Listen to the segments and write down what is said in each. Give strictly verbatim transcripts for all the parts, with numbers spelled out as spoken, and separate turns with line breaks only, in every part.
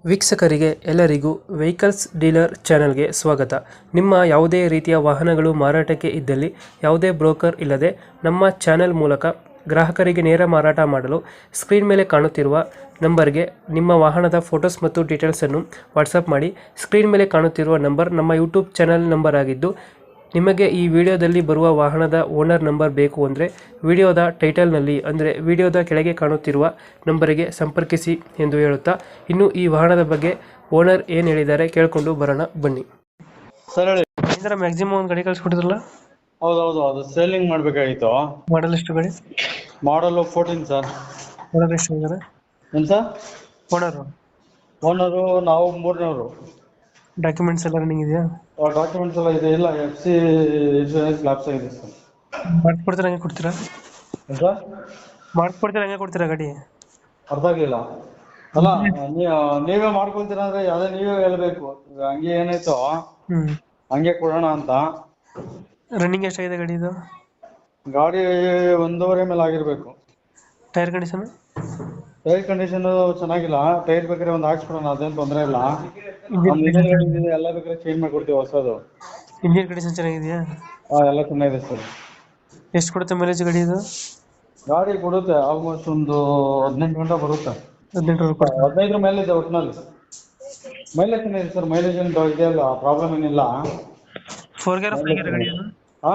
ವೀಕ್ಷಕರಿಗೆ ಎಲ್ಲರಿಗೂ vehicles dealer ಚಾನೆಲ್ಗೆ ಸ್ವಾಗತ. ನಿಮ್ಮ ಯಾವುದೇ ರೀತಿಯ ವಾಹನಗಳು ಮಾರಾಟಕ್ಕೆ ಇದ್ದಲ್ಲಿ ಯಾವುದೇ ಬ್ರೋಕರ್ ಇಲ್ಲದೆ ನಮ್ಮ ಚಾನೆಲ್ ಮೂಲಕ ಗ್ರಾಹಕರಿಗೆ ನೇರ ಮಾರಾಟ ಮಾಡಲು ಸ್ಕ್ರೀನ್ ಮೇಲೆ ಕಾಣುತ್ತಿರುವ ನಂಬರ್ಗೆ ನಿಮ್ಮ ವಾಹನದ ಫೋಟೋಸ್ ಮತ್ತು ಡೀಟೇಲ್ಸನ್ನು ವಾಟ್ಸಪ್ ಮಾಡಿ. ಸ್ಕ್ರೀನ್ ಮೇಲೆ ಕಾಣುತ್ತಿರುವ ನಂಬರ್ ನಮ್ಮ ಯೂಟ್ಯೂಬ್ ಚಾನೆಲ್ ನಂಬರ್ ಆಗಿದ್ದು, ನಿಮಗೆ ಈ ವಿಡಿಯೋದಲ್ಲಿ ಬರುವ ವಾಹನದ ಓನರ್ ನಂಬರ್ ಬೇಕು ಅಂದರೆ ವಿಡಿಯೋದ ಟೈಟಲ್ನಲ್ಲಿ ಅಂದರೆ ವಿಡಿಯೋದ ಕೆಳಗೆ ಕಾಣುತ್ತಿರುವ ನಂಬರಿಗೆ ಸಂಪರ್ಕಿಸಿ ಎಂದು ಹೇಳುತ್ತಾ, ಇನ್ನು ಈ ವಾಹನದ ಬಗ್ಗೆ ಓನರ್ ಏನು ಹೇಳಿದ್ದಾರೆ ಕೇಳಿಕೊಂಡು ಬರೋಣ ಬನ್ನಿ.
ಸರ್ ಹೇಳಿ.
ಇದರ ಮ್ಯಾಕ್ಸಿಮಮ್ ಒಂದು ಗಾಡಿ ಕಳಿಸ್ಕೊಟ್ಟಿದ್ರಲ್ಲ,
ಹೌದೌದು, ಅದು ಸೇಲಿಂಗ್ ಮಾಡ್ಬೇಕಾಗಿತ್ತು.
ಮಾಡಲ್ ಎಷ್ಟು ಗಾಡಿ?
ಮಾಡಲ್ ಫೋರ್ಟೀನ್ ಸರ್.
ಓನರ್ ಎಷ್ಟು ಇದ್ದಾರೆ?
ಏನ್ ಸರ್?
ಓನರು
ಓನರು ನಾವು ಮೂರನೇವರು.
ಡಾಕ್ಯುಮೆಂಟ್ಸ್ ಎಲ್ಲ ರನ್ನಿಂಗ್ ಇದೆಯಾ?
ಡಾಕ್ಯುಮೆಂಟ್ಸ್ ಎಲ್ಲ ಇದೆ. ಇಲ್ಲ, ಎಫ್ ಸಿ ಇನ್ಶೂರೆನ್ಸ್ ಲ್ಯಾಪ್ಸ್ ಆಗಿದೆ ಸರ್.
ಮಾಡ್ಕೊಡ್ತೀರಾ ಹಂಗೆ ಕೊಡ್ತೀರಾ?
ಏನ್ ಸರ್?
ಮಾಡ್ಕೊಡ್ತೀರಾ ಹಂಗೆ ಕೊಡ್ತೀರಾ ಗಾಡಿ?
ಅರ್ಥ ಆಗಿಲ್ಲ. ಅಲ್ಲ, ನೀ- ನೀವೇ ಮಾಡ್ಕೊಳ್ತೀರಾ ಅಂದ್ರೆ ಅದೇ ನೀವೇ ಹೇಳ್ಬೇಕು. ಈಗ ಹಂಗೆ ಏನಾಯ್ತು
ಹ್ಞೂ
ಹಂಗೆ ಕೊಡೋಣ ಅಂತ.
ರನ್ನಿಂಗ್ ಎಷ್ಟಾಗಿದೆ ಗಾಡಿ ಇದು?
ಗಾಡಿ ಒಂದೂವರೆ ಮೇಲೆ ಆಗಿರ್ಬೇಕು.
Tyre condition?
ಟೈರ್ ಕಂಡೀಷನ್ ಚೆನ್ನಾಗಿಲ್ಲ. ಟೈರ್ ಬೇಕಾದ್ರೆ ಒಂದು ಹಾಕ್ಸ್ಕೊಡೋಣ, ಅದೇನು ತೊಂದರೆ ಇಲ್ಲ.
ಇಂಜಿನ್
ನಮ್ದು ಇನ್ನೇನ್ ಗಾಡಿ ಇದೆ, ಎಲ್ಲ ಬೇಕಾದ್ರೆ ಚೇಂಜ್ ಮಾಡ್ಕೊಡ್ತೀವಿ ಹೊಸದು.
ಇಂಜಿನ್ ಕಂಡೀಷನ್ ಚೆನ್ನಾಗಿದೆಯಾ?
ಹಾ, ಎಲ್ಲ ಚೆನ್ನಾಗಿದೆ ಸರ್.
ಎಷ್ಟು ಕೊಡುತ್ತೆ ಮೈಲೇಜ್ ಗಾಡಿ ಇದು?
ಗಾಡಿ ಕೊಡುತ್ತೆ ಆಲ್ಮೋಸ್ಟ್ ಒಂದು ಹದಿನೆಂಟು ಗಂಟೆ ಬರುತ್ತೆ.
ಹದಿನೆಂಟು ಕೊಡುತ್ತೆ.
ಹದಿನೈದರ ಮೇಲೆ ಇದೆ ಒಟ್ಟಿನಲ್ಲಿ. ಮೈಲೇಜ್ ಚೆನ್ನಾಗಿದೆ ಸರ್. ಮೈಲೇಜ್ ಏನು ಇದೆಯಲ್ಲ, ಪ್ರಾಬ್ಲಮ್ ಏನಿಲ್ಲ.
ಫೋರ್ ಗೇರ್ ಫೈವ್ ಗೇರ್ ಗಾಡಿ ಇದು?
ಹಾ,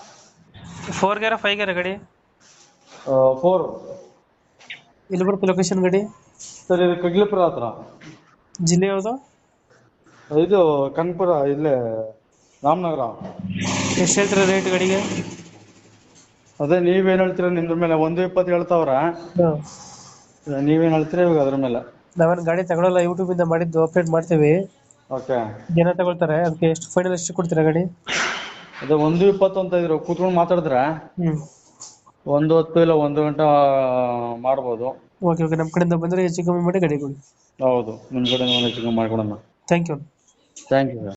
ಫೋರ್ ಗೇರ್ ಫೈವ್ ಗೇರ್ ಗಾಡಿ?
ಫೋರ್.
ಎಲ್ಲಿ ಬರುತ್ತೆ ಲೊಕೇಶನ್ ಗಾಡಿ?
ಸರ್, ಇದು ಕಗ್ಲಿಪುರ ಹತ್ರ.
ಜಿಲ್ಲೆ ಯಾವುದು?
ಇದು ಕನಕಪುರ, ಇಲ್ಲೇ ರಾಮನಗರ.
ಎಷ್ಟು ಹೇಳ್ತೀರಾ ರೇಟ್ ಗಾಡಿಗೆ?
ಅದೇ ನೀವೇನು ಹೇಳ್ತೀರ ನಿಮ್ದ್ರ ಮೇಲೆ. ಒಂದು ಇಪ್ಪತ್ತು ಹೇಳ್ತಾವ್ರ.
ಹಾಂ,
ನೀವೇನು ಹೇಳ್ತೀರ ಇವಾಗ ಅದ್ರ ಮೇಲೆ?
ನಾವೇನು ಗಾಡಿ ತಗೊಳ್ಳಲ್ಲ, ಯೂಟ್ಯೂಬಿಂದ ಮಾಡಿದ್ದು ಅಪ್ಡೇಟ್ ಮಾಡ್ತೀವಿ.
ಓಕೆ.
ಜನ ತಗೊಳ್ತಾರೆ, ಅದಕ್ಕೆ ಎಷ್ಟು ಫೈನಲ್ ಎಷ್ಟು ಕೊಡ್ತೀರಾ ಗಾಡಿ?
ಅದೇ ಒಂದು ಇಪ್ಪತ್ತು ಅಂತ ಇದ್ರು. ಕೂತ್ಕೊಂಡು ಮಾತಾಡಿದ್ರೆ
ಹ್ಞೂ,
ಒಂದು ಹೊತ್ತು ಇಲ್ಲ ಒಂದು ಗಂಟೆ ಮಾಡ್ಬೋದು.
Okay okay. ನಮ್ಮ ಕಡೆಯಿಂದ ಬಂದರೆ ಹೆಚ್ಚು ಕಮ್ಮಿ ಮಾಡಿ ಗಾಡಿ ಕೊಡಿ.
ಹೌದು, ನಿಮ್ಮ ಕಡೆ ಹೆಚ್ಚು ಕಮ್ಮಿ ಮಾಡ್ಕೊಡೋಣ.
Thank you.
Thank you sir.